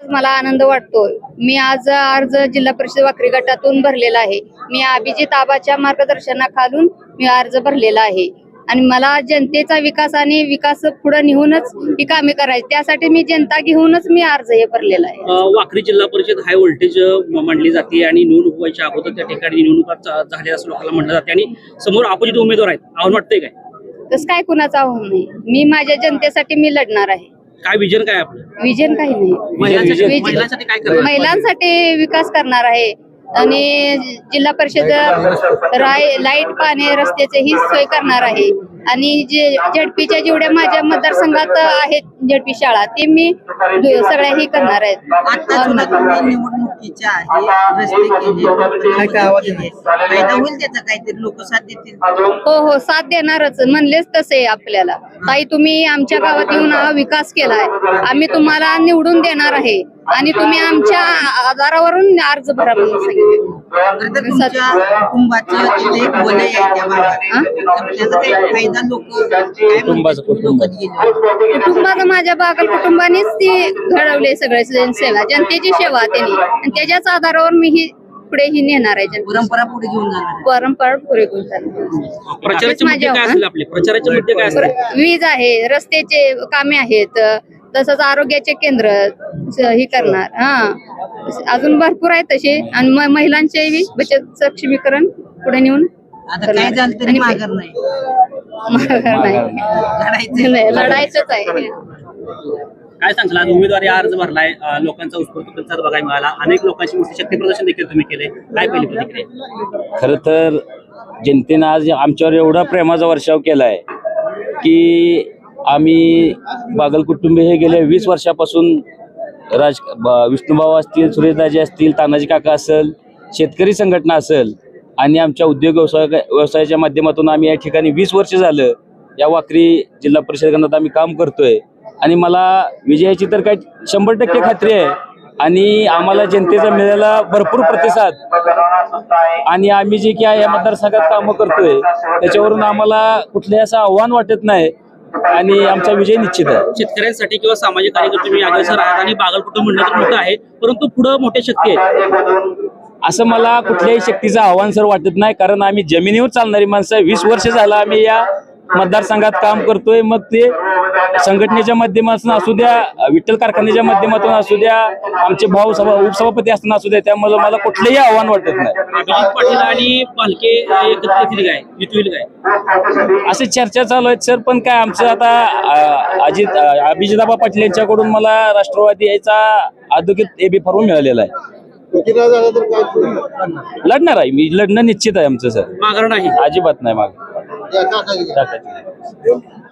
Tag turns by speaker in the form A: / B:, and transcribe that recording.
A: मला आनंद वाटतो। मी आज अर्ज जिल्हा परिषद वाकरी गटातून भरलेला आहे। मी अभिजित आबाच्या मार्गदर्शनाखालून मी अर्ज भरलेला आहे आणि मला जनतेचा विकास आणि विकास पुढे नेऊनच ही कामे करायची, त्यासाठी मी जनता घेऊनच मी अर्ज हे भरलेला आहे।
B: वाकरी जिल्हा परिषद हाय व्होल्टेज मांडली जाते आणि निवडणूक व्हायच्या अगोदर त्या ठिकाणी निवडणुका झाल्या असं लोकांना म्हणलं जाते आणि समोर अपोजिट उमेदवार आहेत, आव्हान वाटतंय काय?
A: तसं काय कुणाचं आव्हान नाही, मी माझ्या जनतेसाठी मी लढणार आहे।
B: काय विजन काय आपलं?
A: विजन काही नाही,
B: महिलांसाठी काय करणार?
A: महिलांसाठी विकास करणार आहे आणि जिल्हा परिषद लाईट पाणी रस्त्याचे ही सोय करणार आहे आणि जे झडपीच्या जेवढ्या माझ्या मतदारसंघात आहेत झडपी शाळा ते मी सगळ्या ही करणार आहेत।
C: निवडणुकीच्या आहे रस्ते केले फायदा होईल त्याचा, काहीतरी लोक साथ देतील।
A: हो साथ देणारच, म्हणलेच तसे आपल्याला ताई तुम्ही आमच्या गावात येऊन हा विकास केलाय, आम्ही तुम्हाला निवडून देणार आहे आणि तुम्ही आमच्या आधारावरून अर्ज भरा म्हणून सांगितलं। कुटुंबाचं माझ्या बागल कुटुंबानेच ती घडवले सगळे सेवा, जनतेची सेवा त्यांनी आणि त्याच्याच आधारावर मी ही पुढे ही नेणार आहे।
C: परंपरा पुढे घेऊन जाणार,
A: परंपरा पुढे घेऊन जाणार।
B: प्रचाराचे मुद्दे काय असतील आपले? प्रचाराचे मुद्दे काय असतील?
A: वीज आहे, रस्त्याचे कामे आहेत, तसंच आरोग्याचे केंद्र ही करणार। अजून भरपूर आहे तसे आणि महिलांचे बचत सक्षमीकरण पुढे नेऊन
C: आता काय झालं तरी माघार नाही,
A: लढायचंच आहे।
B: काय सांगशाल, आज उमेदवारी अर्ज भरलाय, लोकांचा उत्स्फूर्त प्रतिसाद बघायला मिळाला, अनेक लोकांची मोठी शक्ती प्रदर्शन देखील तुम्ही केले, काय पहिली प्रतिक्रिया?
D: खरं तर जनतेनं आज आमच्यावर एवढा प्रेमाचा वर्षाव केलाय की आम्ही बागल कुटुंबी हे गेले 20 वर्षापासून विष्णुभाऊ असतील, सुरेशदाजी असतील, तानाजी काका असेल, शेतकरी संघटना असेल आणि आमच्या उद्योग व्यवसायाच्या माध्यमातून आम्ही या ठिकाणी 20 वर्ष झालं या वाकरी जिल्हा परिषद गणात आम्ही काम करतोय आणि मला विजयाची तर काय 100% खात्री आहे आणि आम्हाला जनतेचा मिळालेला भरपूर प्रतिसाद आणि आम्ही जे काय या मतदारसंघात कामं करतोय त्याच्यावरून आम्हाला कुठलंही असं आव्हान वाटत नाही आणि आमचा विजय निश्चित आहे।
B: शेतकऱ्यांसाठी किंवा सामाजिक कार्यकर्ते तुम्ही अग्रेसर आहात आणि बागल कुटुंब म्हणलं तर मोठं आहे, परंतु पुढे मोठ्या शक्ती आहेत
D: असं मला कुठल्याही शक्तीचं आव्हान सर वाटत नाही, कारण आम्ही जमिनीवर चालणारी माणसं 20 वर्ष झालं आम्ही या मतदारसंघात काम करतोय, मग ते संघटनेच्या माध्यमातून असू द्या, विठ्ठल कारखान्याच्या माध्यमातून असू द्या, आमचे भाऊ उपसभापती असताना असू द्या, त्यामुळे मला कुठलंही आव्हान वाटत नाही।
B: अभिजित पाटील आणि पालके एकत्र येतील काय, युतीतील काय
D: असे चर्चा चालू आहेत सर, पण काय आमचं आता अभिजिताबा पाटील यांच्याकडून मला राष्ट्रवादी याचा अधोगीत एबी फॉर्म मिळालेला आहे। लढणार आहे मी, लढणं निश्चित आहे आमचं सर,
B: माघार नाही,
D: अजिबात नाही माग।